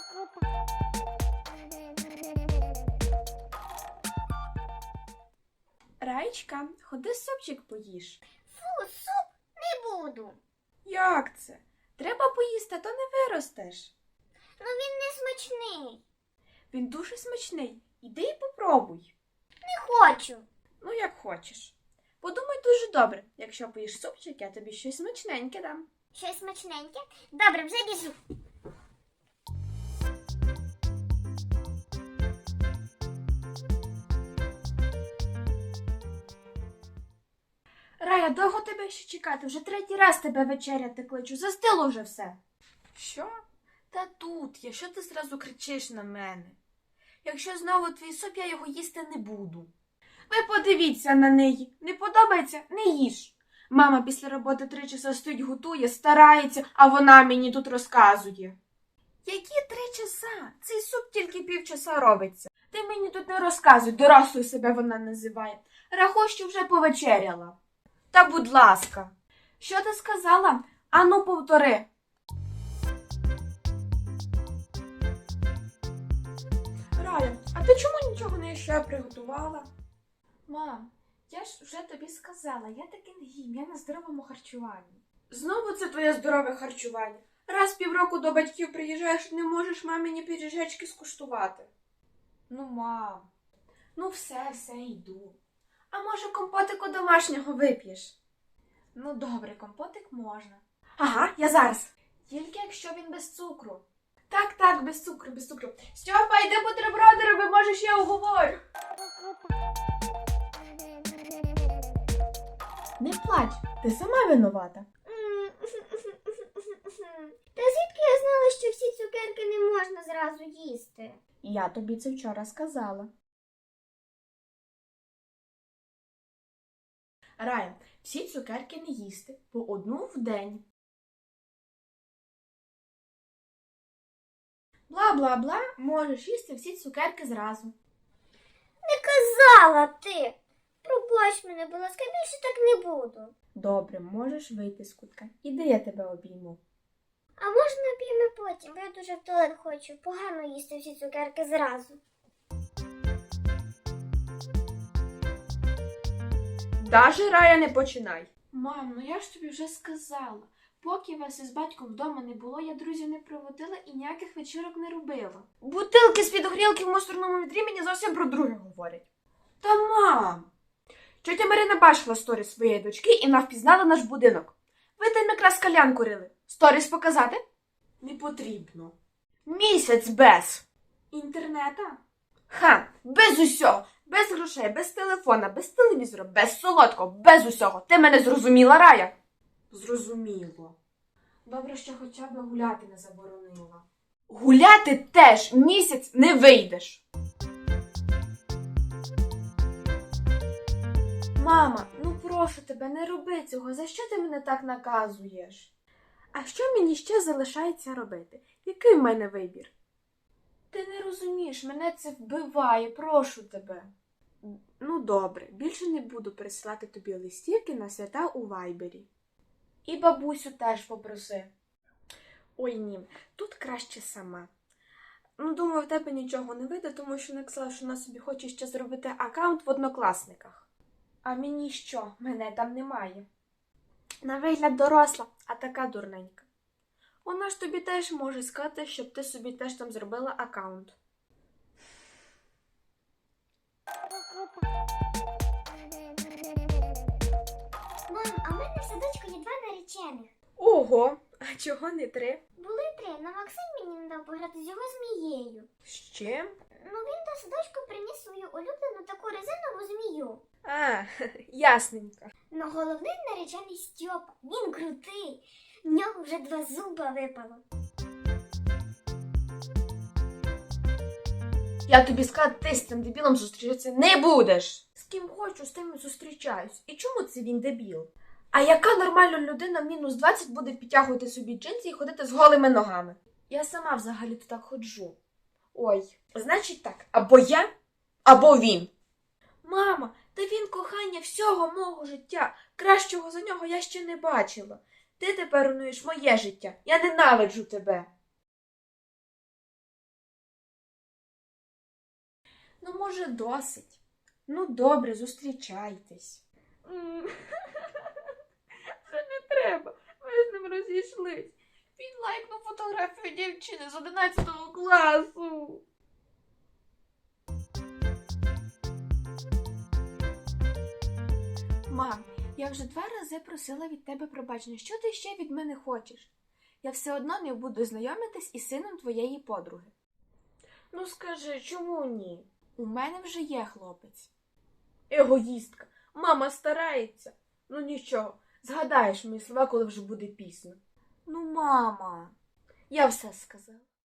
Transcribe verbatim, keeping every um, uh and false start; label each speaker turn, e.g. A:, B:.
A: Раєчка, ходи супчик поїж.
B: Фу, суп не буду.
A: Як це? Треба поїсти, а то не виростеш.
B: Ну він не смачний.
A: Він дуже смачний. Іди і попробуй.
B: Не хочу.
A: Ну, як хочеш. Подумай дуже добре. Якщо поїш супчик, я тобі щось смачненьке дам.
B: Щось смачненьке? Добре, вже біжу.
A: Рая, довго тебе ще чекати? Вже третій раз тебе вечеряти кличу. Застило вже все. Що? Та тут я. Що ти зразу кричиш на мене? Якщо знову твій суп, я його їсти не буду. Ви подивіться на неї. Не подобається? Не їж. Мама після роботи три часа стоїть, готує, старається, а вона мені тут розказує. Які три часа? Цей суп тільки півчаса робиться. Ти мені тут не розказуй, дорослою себе вона називає. Рахуй, що вже повечеряла. Та будь ласка. Що ти сказала? Ану, повтори. Рая, а ти чому нічого не ще приготувала? Мам, я ж вже тобі сказала, я таки не їм, я на здоровому харчуванні. Знову це твоє здорове харчування. Раз півроку до батьків приїжджаєш, не можеш мамині пиріжечки скуштувати. Ну, мам, ну все, все, йду. А може компотику домашнього вип'єш? Ну, добре, компотик можна. Ага, я зараз. Тільки якщо він без цукру. Так, так, без цукру, без цукру. Стьопа, йди бутерброди роби, може, ще я уговорю. Не плач, ти сама винувата.
B: Та звідки я знала, що всі цукерки не можна зразу їсти?
A: Я тобі це вчора сказала. Рая, всі цукерки не їсти, по одну в день. Бла-бла-бла, можеш їсти всі цукерки зразу.
B: Не казала ти. Пробач мене, будь ласка, більше так не буду.
A: Добре, можеш вийти з кутка. Іди, я тебе обійму.
B: А можна п'ємо потім, бо я дуже в туалет хочу. Погано їсти всі цукерки зразу.
A: Даже, Рая, не починай. Мам, ну я ж тобі вже сказала. Поки вас із батьком вдома не було, я друзів не проводила і ніяких вечірок не робила. Бутилки з-під горілки в мусорному відрі мені зовсім про друге говорять. Та мам! Тьотя Марина бачила сторіс своєї дочки і навпізнала наш будинок. Ви там якраз калян курили. Сторіс показати? Не потрібно. Місяць без. Інтернета? Ха, без усього. Без грошей, без телефона, без телевізора, без солодкого, без усього. Ти мене зрозуміла, Рая? Зрозуміло. Добре, що хоча б гуляти не заборонила. Гуляти теж місяць не вийдеш. Мама, ну прошу тебе, не роби цього. За що ти мене так наказуєш? А що мені ще залишається робити? Який в мене вибір? Ти не розумієш, мене це вбиває, прошу тебе. Ну добре, більше не буду присилати тобі листівки на свята у Вайбері. І бабусю теж попроси. Ой, ні, тут краще сама. Ну, думаю, в тебе нічого не вийде, тому що написала, що вона собі хоче ще зробити аккаунт в Однокласниках. А мені що? Мене там немає. На вигляд доросла, а така дурненька. Вона ж тобі теж може сказати, щоб ти собі теж там зробила аккаунт.
B: Мам, а в мене в садочку є два наречених.
A: Ого, а чого не три?
B: Були три, але Максим мені не дав пограти з його змією.
A: З чим?
B: Ну він до садочку приніс свою улюблену таку резинову змію.
A: А, ясненько.
B: Но головний наречений Стьопа. Він крутий. В нього вже два зуба випало.
A: Я тобі сказала, ти з цим дебілом зустрічатися не будеш. З ким хочу, з тим і зустрічаюсь. І чому це він дебіл? А яка нормальна людина в мінус двадцять буде підтягувати собі джинси і ходити з голими ногами? Я сама взагалі-то так ходжу. Ой, значить так, або я, або він. Мама, та він кохання всього мого життя. Кращого за нього я ще не бачила. Ти тепер руйнуєш моє життя. Я ненавиджу тебе. Ну, може, досить. Ну, добре, зустрічайтесь. Це не треба. Ми з ним розійшлись. Він лайкнув фотографію дівчини з одинадцятого класу. Мам, я вже два рази просила від тебе пробачення. Що ти ще від мене хочеш? Я все одно не буду знайомитись із сином твоєї подруги. Ну скажи, чому ні? У мене вже є хлопець. Егоїстка. Мама старається. Ну нічого, згадаєш мої слова, коли вже буде пізно. Ну, мама. Я все сказала.